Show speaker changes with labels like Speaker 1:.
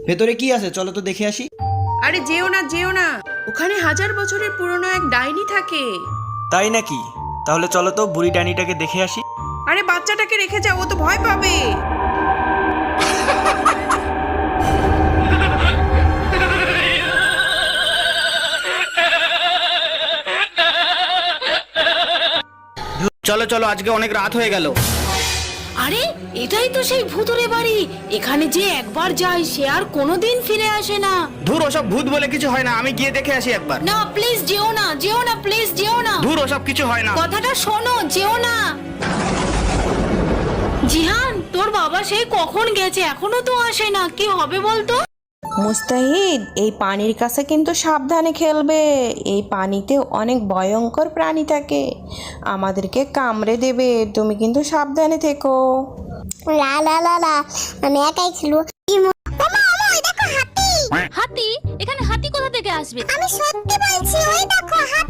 Speaker 1: ভেতরে কি আছে চলো তো দেখে আসি।
Speaker 2: আরে যেও না যেও না, ওখানে 1000 বছরের পুরনো এক ডাইনি থাকে।
Speaker 1: তাই নাকি? তাহলে চলো তো বুড়ি ডাইনিটাকে দেখে আসি।
Speaker 2: আরে বাচ্চাটাকে রেখে যাও, ও তো ভয় পাবে।
Speaker 3: চলো চলো, আজকে অনেক রাত হয়ে গেল।
Speaker 4: আরে এটাই তো সেই ভূতুরে বাড়ি। এখানে যে একবার যায় সে আর কোনোদিন ফিরে আসে না।
Speaker 3: ধুর, ওসব ভূত বলে কিছু হয় না, আমি গিয়ে দেখে আসি একবার।
Speaker 4: না প্লিজ যেও না, যেও না, প্লিজ যেও না।
Speaker 3: ধুর, ওসব কিছু হয় না।
Speaker 4: কথাটা শোনো, যেও না। জিহান, তোর বাবা সেই কখন গেছে, এখনো তো আসে না। কি হবে বলতো?
Speaker 5: মুস্তাহিদ, এই পানির কাছে কিন্তু সাবধানে খেলবে। এই পানিতে অনেক ভয়ঙ্কর প্রাণী থাকে, আমাদেরকে কামড়ে দেবে। তুমি কিন্তু সাবধানে থেকো।
Speaker 6: লা লা লা লা, আমি একাই খেলবো। মামা মামা, ওই দেখো হাতি।
Speaker 7: হাতি? এখানে হাতি কোথা থেকে আসবে?
Speaker 6: আমি সত্যি বলছি, ওই দেখো হাতি।